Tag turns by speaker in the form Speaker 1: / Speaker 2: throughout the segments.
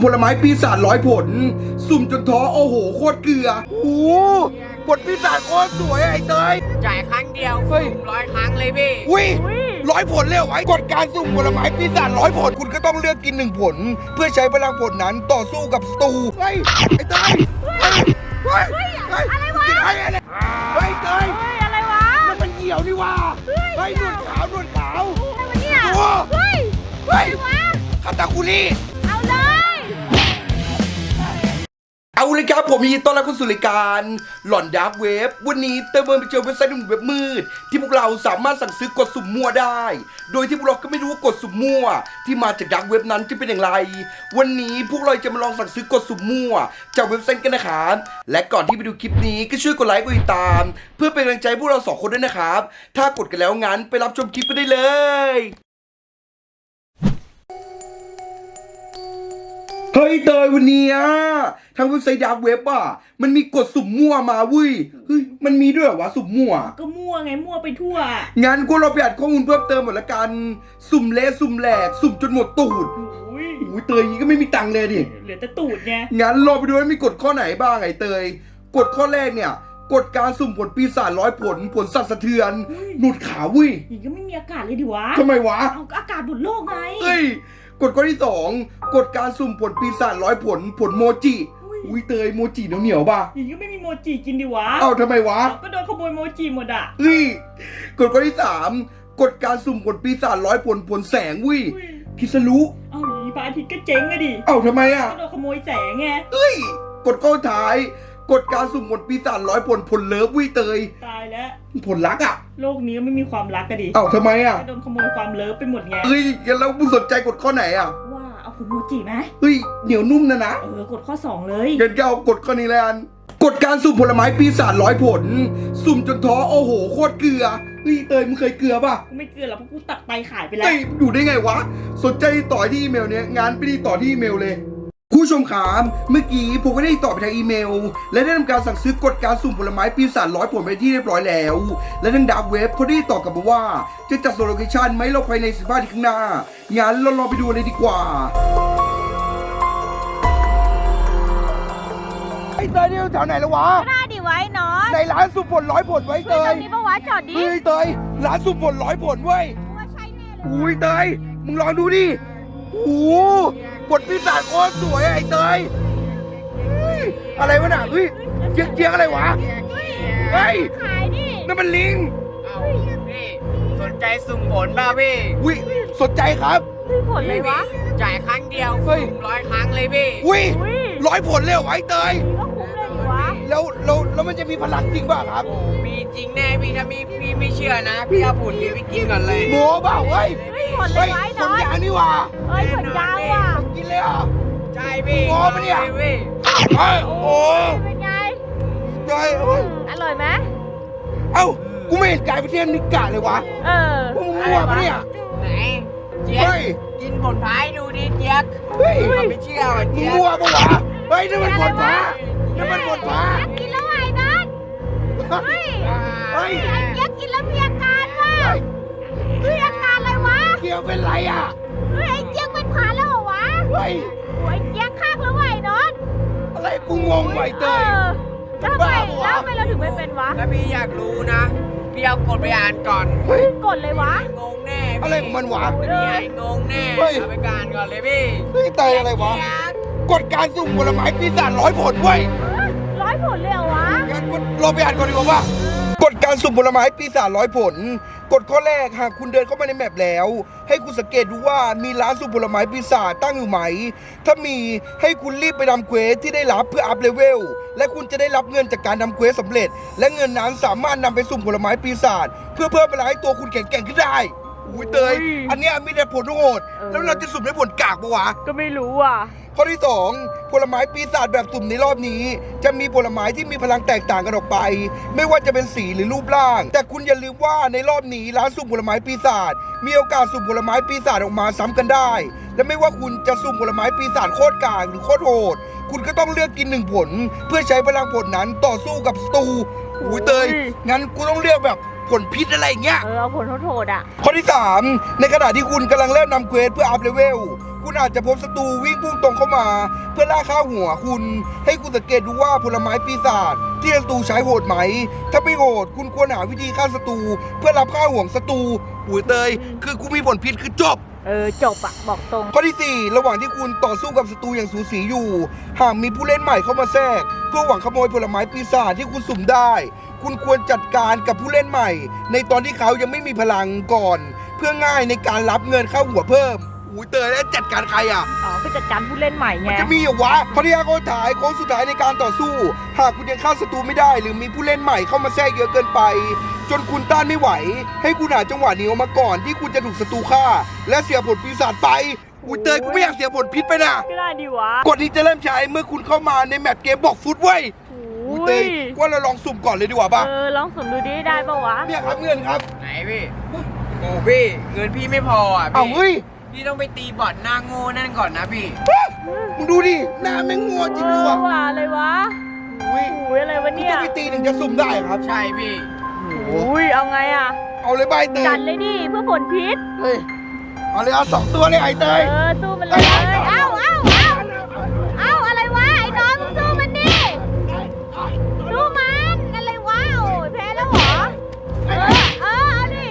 Speaker 1: ผลไม้ปีศาจ100 ผลสุ่มจนท้อโอ้โหโคตรเกลือโอ้โหผลปีศาจโคตรสวยไอ้เตย
Speaker 2: จ่ายครั้งเดียว
Speaker 1: เฮ้ย
Speaker 2: 100 ครั้งเลยพี่
Speaker 1: อุ้ย100 ผลเลยเหรอไว้กฎการสุ่มผลไม้ปีศาจ100 ผลคุณก็ต้องเลือกกิน1 ผล เพื่อใช้พลังผลนั้นต่อสู้กับศัตรูเฮ้ยไอ้เตยเฮ้ยอะไรวะกินอะไรเนี่ยเฮ้ยเตย
Speaker 3: อะไรวะ
Speaker 1: มันเหี่ยวนี่ว่าเฮ้ยหนวดขาว
Speaker 3: อะไรวะเนี่ยเ
Speaker 1: ฮ้ยคาตาคุริ
Speaker 3: เอาเลย
Speaker 1: เอาเลยครับผมยินดีต้อนรับเข้าสู่รายการหลอนดาร์กเว็บวันนี้เติมเงินไปเจอเว็บไซต์หนึ่งเว็บมืดที่พวกเราสามารถสั่งซื้อกดสุ่มมั่วได้ โดยที่พวกเราก็ไม่รู้ว่ากดสุ่มมั่วที่มาจากดาร์กเว็บนั้นจะเป็นอย่างไรวันนี้พวกเราจะมาลองสั่งซื้อกดสุ่มมั่วจากเว็บไซต์กันนะครับและก่อนที่ไปดูคลิปนี้ก็ช่วยกดไลค์กดติดตามเพื่อเป็นกำลังใจพวกเรา2 คนด้วยนะครับถ้ากดกันแล้วงั้นไปรับชมคลิปกันได้เลยเฮ้ยเตยวันนี้ทางเว็บไซต์ดาร์กเว็บมันมีกดสุ่มมั่วมาเว้ยเฮ้ยมันมีด้วยเหรอวะสุ่มมั่ว
Speaker 3: ก็มั่วไงมั่วไปทั่ว
Speaker 1: งั้นกูเราไปอัดข้อมูลเพิ่มเติมหมดละกันสุ่มเละสุ่มแหลกสุ่มจนหมดตูดอุ้ยเตยก็ไม่มีตังค์เลยดิ
Speaker 3: เหลือแต่ตูดไง
Speaker 1: งั้นรอไปดูว่ามีกฎข้อไหนบ้างไอ้เตยกฎข้อแรกเนี่ยกฎการสุ่มผลปีศาจ100 ผลผลสั่นสะเทือนหนุดขาวเว้ย
Speaker 3: อีกก็ไม่มีอากาศเลยดิวะ
Speaker 1: ทำไมวะ
Speaker 3: เอาอากาศดุดโลกไง
Speaker 1: เฮ้ยกฎข้อที่2กฎการสุ่มผลปีศาจ100 ผลโมจิอุ้ยเตยโมจิเหนียวป่ะ
Speaker 3: อีกก็ไม่มีโมจิกินดิวะ
Speaker 1: เอ้าทำไมวะ
Speaker 3: ก็โดนขโมยโมจิหมดอ่ะ
Speaker 1: เฮ้ยกฎข้อที่3กฎการสุ่มผลปีศาจ100 ผลแสงวิคิสรุ
Speaker 3: เอ้าอีพระอาทิตย์ก็เจ๊งอะดิ
Speaker 1: เอ้าทำไม
Speaker 3: ก็โดนขโมยแสงไง
Speaker 1: เฮ้ยกฎข้อท้ายกฎการสุ่มผลปีศาจ100 ผลเลิฟวิเตย
Speaker 3: ตายแล้ว
Speaker 1: ผลรัก
Speaker 3: โลกนี้ไม่มีความรักกันดิ
Speaker 1: เอ้าทำไม
Speaker 3: ก็โดนขโมยความเลิฟไปหมดไง
Speaker 1: เฮ้ยแล้วมึงสนใจกฎข้อไหน
Speaker 3: ว่าเอาผลโมจิไหม
Speaker 1: เฮ้ยเหนียวนุ่มนะ
Speaker 3: กดข้อ2เลย
Speaker 1: เดี๋ยวเอากฎข้อนี้เลยกฎการสุ่มผลไม้ปีศาจ100 ผลสุ่มจนท้อโอ้โหโคตรเกลือเฮ้ยเตยมึงเคยเกลือป่ะ
Speaker 3: กูไม่เกลือหรอกเพราะกูตักไปขายไปแล้ว
Speaker 1: อยู่ได้ไงวะสนใจต่อที่อีเมลเนี้ยงานไปดีต่อที่อีเมลเลยผู้ชมขามเมื่อกี้ผมก็ได้ตอบไปทางอีเมลและได้ทำการสั่งซื้อกฎการสุ่มผลไม้ปีศาจ100 ผลไปที่เรียบร้อยแล้วและทางดาร์กเว็บเขาได้ตอบกลับมาว่าจะจัดส่งโลเคชั่นไหมเราภายใน15 นาทีข้างหน้างั้นเราลองไปดูเลยดีกว่าไอ้เตยนี่แถวไหนแล้ววะ
Speaker 3: หน้าดิไว้นอน
Speaker 1: ในร้านสุ่มผล100 ผลไว้เตย
Speaker 3: ตรงนี้ปะวะจอดดิ
Speaker 1: เฮ้ยเตยร้านสุ่มผล100 ผลเว้ย
Speaker 3: ว่าใช่แน่เลย
Speaker 1: อุ้ยเตยมึงลองดูดิโอ้โหผลปีศาจโคตรสวยไอ้เตยอะไรวะน่ะเฮ้ยเจี๊ยกอะไรวะเฮ้ย
Speaker 3: ขายดิ
Speaker 1: นั่นมันลิง
Speaker 2: เอาพี่สนใจสุ่มผลป่ะพี่
Speaker 1: อุ้ยสนใจครับ
Speaker 3: ผลเลยวะ
Speaker 2: จ่ายครั้งเดียว100 ครั้งเลยพี่
Speaker 1: อุ้ย100 ผลเลยเหรอไอ้เตย
Speaker 3: ก็คุ้มเลยดิวะ
Speaker 1: แล้วมันจะมีพลังจริงป่ะครับ
Speaker 2: มีจริงแน่พี่ถ้าพี่ไม่เชื่อนะพี่เอาผลนี้ไปกินก่อนเลย
Speaker 1: โม้เปล่าเฮ้ย
Speaker 3: ผลเลยไว้นอน
Speaker 1: ผลยางนี่ว่ะ
Speaker 3: ผลยางว่ะ
Speaker 1: กินเลยเหรอ
Speaker 2: ใช่พี่
Speaker 1: โม้ปะเนี่ยโอ้
Speaker 3: เป็นไง
Speaker 1: ใช่
Speaker 3: อร่อยไหม
Speaker 1: เอ้ากูไม่เห็นกายประเทศนิกะเลยวะพวกมึงมั่วปะเนี่ย
Speaker 2: ไหนเจี๊ยบกินผลพายดูดิเจี๊ยบไม่เชื่อว่ะเจี๊ยบ
Speaker 1: มั่วปะวะเฮ้ยนี่มันผลฟ้านี่มันผลฟ้า
Speaker 3: กินแล้วไอ้นัทเฮ้ยไอ้เจี๊ยบกินแล้วมีอาการว่ะเฮ้ยอาการอะไรวะ
Speaker 1: เจี๊ยบเป็นไร
Speaker 3: เฮ้ยไอ้เจี๊ยบเป็นผ่าแล้วเหรอวะ
Speaker 1: เฮ้ย
Speaker 3: ไอ้เจี๊ยบข้างแล้วไอ้นัท
Speaker 1: อะไรกูงงไอ้เตย
Speaker 3: ทำไมเราถึงไม่เป็นวะ
Speaker 2: ถ้าพี่อยากรู้นะพี่เอากดไปอ่านก่อน
Speaker 3: กดเลยวะ
Speaker 2: งงแน่
Speaker 1: อะไรของมันวะ
Speaker 2: พี่งงแน่เอาไปการก่อนเลยพี่
Speaker 1: เตยอะไรวะกฎการสุ่มผลไม้ปีศาจ100 ผลเว้ย
Speaker 3: 100 ผลเลยเหรอวะ
Speaker 1: งั้นเราไปอ่านก่อนดีกว่ากฎการสุ่มผลไม้ปีศาจ100 ผลกฎข้อแรกหากคุณเดินเข้ามาในแมปแล้วให้คุณสังเกตดูว่ามีร้านสุ่มผลไม้ปีศาจตั้งอยู่ไหมถ้ามีให้คุณรีบไปทำเควสที่ได้รับเพื่ออัพเลเวลและคุณจะได้รับเงินจากการทำเควสสำเร็จและเงินนั้นสามารถนำไปสุ่มผลไม้ปีศาจเพื่อเพิ่มพลังให้ตัวคุณแข็งแกร่งขึ้นได้อุ้ยเตยอันนี้มีแต่ผลโหดแล้วเราจะสุ่มได้ผลกากปะวะ
Speaker 3: ก็ไม่รู้อ่ะ
Speaker 1: ข้อที่2ผลไม้ปีศาจแบบสุ่มในรอบนี้จะมีผลไม้ที่มีพลังแตกต่างกันออกไปไม่ว่าจะเป็นสีหรือรูปร่างแต่คุณอย่าลืมว่าในรอบนี้ร้านสุ่มผลไม้ปีศาจมีโอกาสสุ่มผลไม้ปีศาจออกมาซ้ำกันได้และไม่ว่าคุณจะสุ่มผลไม้ปีศาจโคตรกากหรือโคตรโหดคุณก็ต้องเลือกกิน1 ผลเพื่อใช้พลังผลนั้นต่อสู้กับศัตรูอุ้ยเตยงั้นกูต้องเลือกแบบผลพิษอะไรอย่างเงี้ย
Speaker 3: เอาผลโหดอ่ะ
Speaker 1: ข้อที่3ในขณะที่คุณกำลังเริ่มนำเควสเพื่ออัพเลเวลคุณอาจจะพบศัตรูวิ่งพุ่งตรงเข้ามา เพื่อล่าข้าวหัวคุณ ให้คุณสังเกตดูว่าผลไม้ปีศาจที่ศัตรูใช้โหดไหม ถ้าไม่โหดคุณควรหาวิธีฆ่าศัตรูเพื่อรับข้าวห่วงศัตรูอุ้ยเตยคือกูมีผลพิษคือจบ
Speaker 3: จบอะบอกตรง
Speaker 1: ข้อที่ 4 ระหว่างที่คุณต่อสู้กับศัตรูอย่างสูสีอยู่ หากมีผู้เล่นใหม่เข้ามาแทรก เพื่อหวังขโมยผลไม้ปีศาจที่คุณสุ่มได้ คุณควรจัดการกับผู้เล่นใหม่ ในตอนที่เขายังไม่มีพลังก่อน เพื่อง่ายในการรับเงินเข้าหัวเพิ่มอุ้ยเตยแล้วจัดการใครอ่ะ
Speaker 3: อ๋อคือจัดการผู้เล่นใหม่ไง
Speaker 1: มันจะมีเหรอวะข้อที่5ข้อท้ายโค้งสุดท้ายในการต่อสู้ หากคุณยังฆ่าศัตรูไม่ได้ หรือมีผู้เล่นใหม่เข้ามาแทรกเยอะเกินไป จนคุณต้านไม่ไหว ให้คุณหาจังหวะหนีออกมาก่อนที่คุณจะถูกศัตรูฆ่า และเสียผลปีศาจไปอุ้ยเตยกูไม่อยากเสียผลพิษไปนะ
Speaker 3: ก็ได้ดีวะ
Speaker 1: กฎนี้จะเริ่มใช้เมื่อคุณเข้ามาในแมปเกมบอกฟุตเว้ยอุ้ยเตยว่าเราลองสุ่มก่อนเลยดีกว่าป่ะ
Speaker 3: ลองสุ่มดูดิได้ปะวะ
Speaker 1: เนี่ยครับเงินครับ
Speaker 2: ไหนพี่โอ้พี่เงินพี่ไม่พออ่ะ
Speaker 1: เอา
Speaker 2: พี่
Speaker 1: เฮ้ย
Speaker 2: พี่ต้องไปตีบอทหน้าโง่นั่นก่อนนะพี่
Speaker 1: มึงดูดิหน้าแม่งงัวจริงด้วยว่ะ
Speaker 3: ว่าอะไรวะ
Speaker 1: อุ้ย
Speaker 3: อุ้ยอะไรวะ
Speaker 1: มึง
Speaker 3: เนี่ย
Speaker 1: ต้องไปตีถึงจะสุ่มได้ครับ
Speaker 2: ใช่พี่
Speaker 3: อุ้ยเอาไงอะ
Speaker 1: เอาเลยใบเตย
Speaker 3: จัดเลยดิเพื่อผลพิษ
Speaker 1: เฮ้ยเอาเลยเอา2 ตัวเลยไอ้เตย
Speaker 3: สู้มันเลยเอ้าอะไรวะไอ้น้องมึงสู้มันดิสู้มันอะไรวะโอ้ยแพ้แล้วเหรอเอาดิ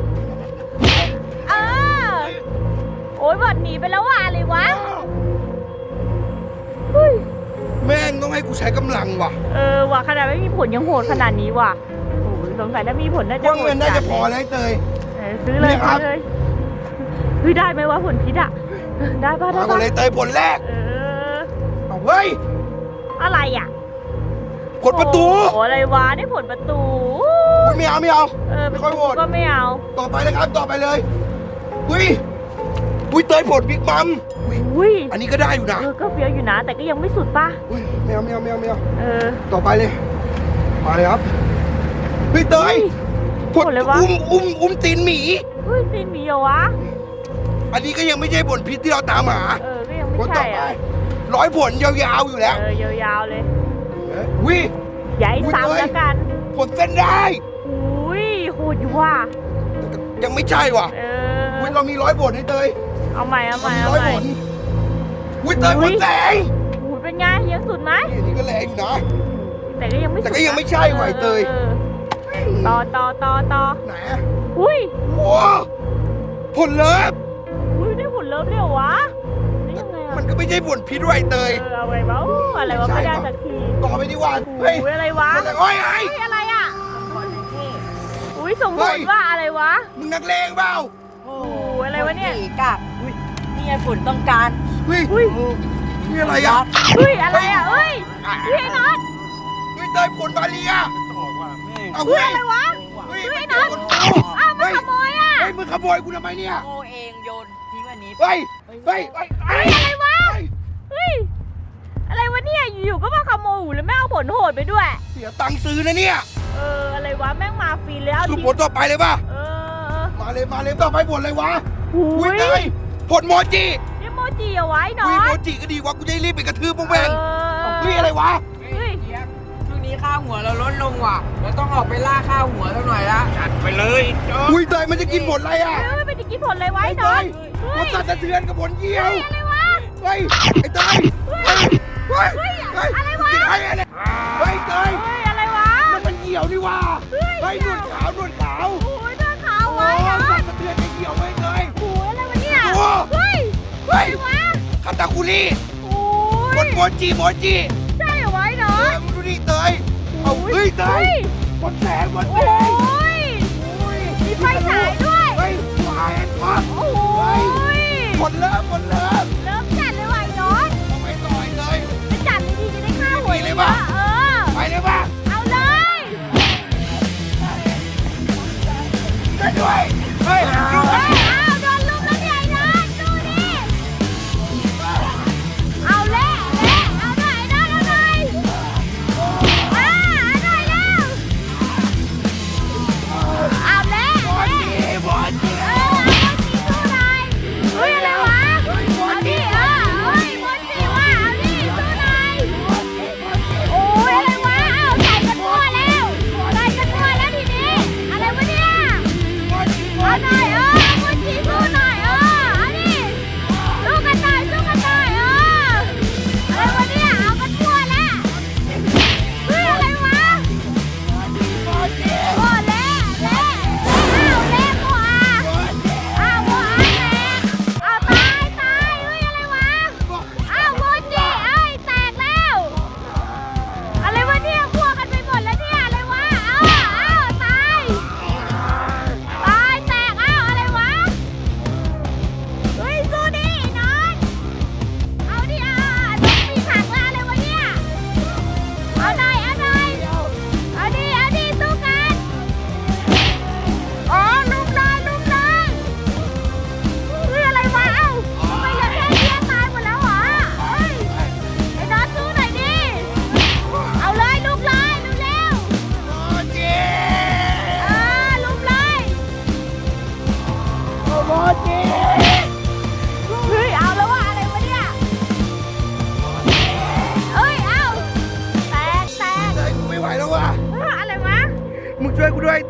Speaker 3: โอ้ยบอดหนีไปแล้วว่ะอะไรวะเฮ้ย
Speaker 1: แม่งต้องให้กูใช้กำลังว่ะ
Speaker 3: ว่ะขนาดไม่มีผลยังโหดขนาดนี้ว่ะโอ้ยสงสัยถ้ามีผลน่าจะ
Speaker 1: ว่า
Speaker 3: โหด
Speaker 1: เงินน่าจะพอแล้วไอ้เตย
Speaker 3: ซื้อเลย
Speaker 1: เนี่ยครับ
Speaker 3: ซื้อเลยเฮ้ยได้ไหมวะผลพิษอะได้ป่ะได้
Speaker 1: มาก่อ
Speaker 3: ป่ะ
Speaker 1: นเลยเตยผลแรก
Speaker 3: เออ
Speaker 1: เอาเฮ้ย
Speaker 3: อะไรอ่ะ
Speaker 1: ผลประตู
Speaker 3: โอ้อะไรวะได้ผลประตู
Speaker 1: อุ๊ยไม่เอาไม่เอา
Speaker 3: เป็น
Speaker 1: ค่อยโหวต
Speaker 3: ก็ไม่เอา
Speaker 1: ต่อไปเลยครับต่อไปเลยอุ้ยอุ้ยเตยผลบิ๊กบัมอุ้ย
Speaker 3: อุ้ย
Speaker 1: อันนี้ก็ได้อยู่นะ
Speaker 3: ก็เฟี้ยวอยู่นะ แต่ก็ยังไม่สุดป่ะ
Speaker 1: อุ้ยไม่เอาไม่เอาไม่เอาไม่เอา
Speaker 3: เออ
Speaker 1: ต่อไปเลยมาเลยครับเฮ้ยเตยผล
Speaker 3: ผลเลยวะ
Speaker 1: อุ้มตีนหมี
Speaker 3: เฮ้ยตีนหมีเหรอวะ
Speaker 1: อันนี้ก็ยังไม่ใช่ผลพิษที่เราตามหา
Speaker 3: ก็ยังไม่
Speaker 1: ผลต่อ
Speaker 3: ใช่
Speaker 1: ไป
Speaker 3: อ่ะ
Speaker 1: 100 ผลยาวๆอยู่แล้ว
Speaker 3: ยาวๆเลย
Speaker 1: อุ้ย
Speaker 3: อย่าให้
Speaker 1: อุ๊ย
Speaker 3: ซ้ำ
Speaker 1: เอ้ย
Speaker 3: แล้วกัน
Speaker 1: ผลเส้นได้
Speaker 3: อุ้ยโหดอยู่ว่ะ
Speaker 1: ยังไม่ใช่ว่ะ อุ้ยเรามี100 ผลให้เตย
Speaker 3: เอาใหม่เอาใหม่
Speaker 1: มี
Speaker 3: เอา
Speaker 1: 100
Speaker 3: ให
Speaker 1: ผ
Speaker 3: ม่
Speaker 1: ลอุ้ยเตยผลแสง
Speaker 3: อุ้ยเป็นไงยังสุดไหม
Speaker 1: นี่อันนี้ก็แรงอยู่นะ
Speaker 3: แต่ก็ยังไม่สุด
Speaker 1: แต่ก็ยังไม่ใช่ว่ะไอ้เตย
Speaker 3: ต่อ
Speaker 1: ไหนอะ
Speaker 3: อุ้ย
Speaker 1: โอ้ผลเลิฟ
Speaker 3: อุ้ยได้ผลเลิฟเลยเหรอวะได้ยังไงอ่ะ
Speaker 1: มันก็ไม่ใช่ผลพิษด้วยไอ้เตย
Speaker 3: เอาไว้บ้าอะไรวะไม่ได้สักที
Speaker 1: ต่อไปดีกว่าเฮ้ย
Speaker 3: อุ้ยอะไรวะ
Speaker 1: ผลอะไรโอ้ยไอ้
Speaker 3: อุ้ยอะไรอ่ะอุ้ยส่งผลว่าอะไรวะ
Speaker 1: มึงนักเลงเปล่า
Speaker 3: โอ้ยอะไรวะเนี่ย
Speaker 2: กากนี่ไงฝนต้องการ
Speaker 1: เฮ้ย
Speaker 3: อุ้ย
Speaker 1: นี่อะไรอ่ะ
Speaker 3: อุ้ยอะไรอ่ะเอ้ยพี่ไอ้น็อต
Speaker 1: เฮ้ยเตยผลบาเลียเอา
Speaker 3: อุ้ย
Speaker 1: เฮ้ย
Speaker 3: อะไรวะ
Speaker 1: เฮ้ย
Speaker 3: พี่ไอ้น็อต
Speaker 1: ผล
Speaker 3: อ้าวมันขโมยอ่ะ
Speaker 1: เฮ้ยมึงขโมยกูทำไมเนี่ย
Speaker 2: โง่เองโยนทิ้งอันนี้
Speaker 1: เฮ้ยเฮ้ยเฮ้ย
Speaker 3: เฮ้ยอะไรวะเฮ้ยอะไรวะเนี่ยอยู่ๆก็มาขโมยหูแล้วไม่เอาผลโหดไปด้วย
Speaker 1: เสียตังค์ซื้อนะเนี่ย
Speaker 3: อะไรวะแม่งมาฟรีแล้ว
Speaker 1: สุ่มผลต่อไปเลยป่ะ มาเลยต่อไปผลอะไรวะ
Speaker 3: หู
Speaker 1: อุ้ย
Speaker 3: ย
Speaker 1: เตยผลโมจิ
Speaker 3: นี่โมจิเอาไว้หนอ
Speaker 1: อุ้ย
Speaker 3: น
Speaker 1: โมจิก็ดีวะกูจะได้รีบไปกระทืบพวกแม่ง
Speaker 3: เออ
Speaker 1: เฮ้ยอะไรวะ
Speaker 2: เฮ้ยเจี๊ยบช่วงนี้ค่าหัวเราลดลงว่ะเราต้องออกไปล่าค่าหัวสักหน่อยละจัดไปเลย
Speaker 1: อุ้ยเตยมันจะกินผลอะไรอ่ะ
Speaker 3: เฮ้ยไปกินผลอะไรไว้
Speaker 1: ไอ้
Speaker 3: หน
Speaker 1: เต
Speaker 3: อน
Speaker 1: ย
Speaker 3: เฮ้
Speaker 1: มัน
Speaker 3: ย
Speaker 1: สั่นสะเทือนกับผลเยี่ยว
Speaker 3: อะไรวะ
Speaker 1: เฮ้ยไอ้เตยเฮ้ยเฮ้ยเฮ้ย
Speaker 3: อะไรวะ
Speaker 1: กินอะไรเฮ้ยเตย
Speaker 3: เฮ้ยอะไรวะ
Speaker 1: มันเหี่ยวนี่ว่าเฮ้ยหนวดขาวหนวดขาว
Speaker 3: โอ้ยเนื้อขาว
Speaker 1: โอ้
Speaker 3: ไว้หนอน
Speaker 1: สั่นสะเทือนไอ้เหี่ยวไว้เตย
Speaker 3: โอ้ยอะไรวะเนี่ย
Speaker 1: โอ้
Speaker 3: เฮ้ย
Speaker 1: เฮ้ย
Speaker 3: อะไรวะ
Speaker 1: คาตาคุริ
Speaker 3: โอ้
Speaker 1: ผ
Speaker 3: ย
Speaker 1: ลโมจิ
Speaker 3: ใช่เหรอไว้หนอ
Speaker 1: เอน อมึงดูดิเตยเอาเฮ้ยเตยผลแสงผลแส
Speaker 3: โอ้
Speaker 1: ง
Speaker 3: ยมีไฟฉายด้วย
Speaker 1: เฮ้ยไฟช็อต
Speaker 3: โอ้ย
Speaker 1: ผลเลิฟ
Speaker 3: เริ่มจัดเลยว่ะไอ้นอน
Speaker 1: เอาไปต่อยเลย
Speaker 3: ไปจัดดีๆจะได้ฆ่าหัว
Speaker 1: ดีเลยปะ ไปเลยป่ะ
Speaker 3: เอาเลย
Speaker 1: ได้ด้วยเฮ้ยดู
Speaker 3: เฮ้ยเอาโดนลุมแล้วเนี่ยไอ้นอนดูดิเอาเละเอาหน่อยนอนเอาหน่อยเอาหน่อยเร็วเอาเละ
Speaker 1: บอลจี
Speaker 3: เอาสีสู้หน่อยเฮ้ยอะไรวะเอาดิ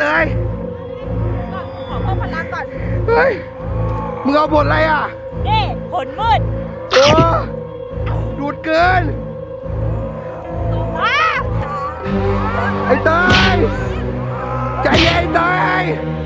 Speaker 1: เตย
Speaker 3: ขอเพิ่มพลังก่อน
Speaker 1: เฮ้ย มึงเอาบทอะไรอ่ะ
Speaker 3: นี่ผลมืด
Speaker 1: โอ้ดูดเกิน
Speaker 3: ว้าว
Speaker 1: ไอ้เตยใจเย็นเตย